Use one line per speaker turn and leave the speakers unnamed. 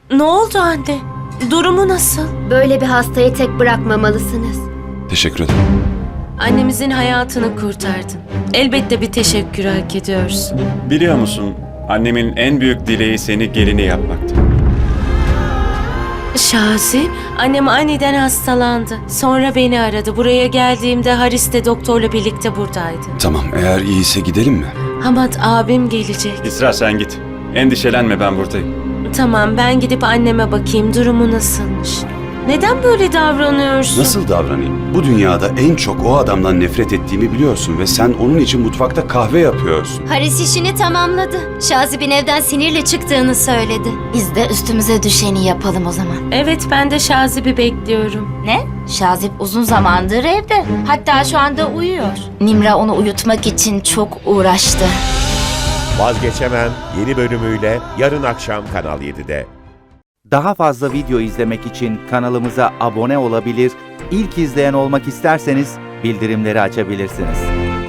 Ne oldu anne? Durumu nasıl?
Böyle bir hastayı tek bırakmamalısınız.
Teşekkür ederim.
Annemizin hayatını kurtardın. Elbette bir teşekkür hak ediyorsun.
Biliyor musun, annemin en büyük dileği seni gelini yapmaktı.
Şazi, annem aniden hastalandı. Sonra beni aradı. Buraya geldiğimde Haris de doktorla birlikte buradaydı.
Tamam, eğer iyiyse gidelim mi?
Hamad abim gelecek.
İsra sen git. Endişelenme, ben buradayım.
Tamam, ben gidip anneme bakayım durumu nasılmış. Neden böyle davranıyorsun?
Nasıl davranayım? Bu dünyada en çok o adamdan nefret ettiğimi biliyorsun ve sen onun için mutfakta kahve yapıyorsun.
Haris işini tamamladı. Şazib'in evden sinirle çıktığını söyledi.
Biz de üstümüze düşeni yapalım o zaman.
Evet, ben de Şazib'i bekliyorum.
Ne? Şazip uzun zamandır evde. Hatta şu anda uyuyor. Nimra onu uyutmak için çok uğraştı.
Vazgeçemem yeni bölümüyle yarın akşam Kanal 7'de.
Daha fazla video izlemek için kanalımıza abone olabilir, ilk izleyen olmak isterseniz bildirimleri açabilirsiniz.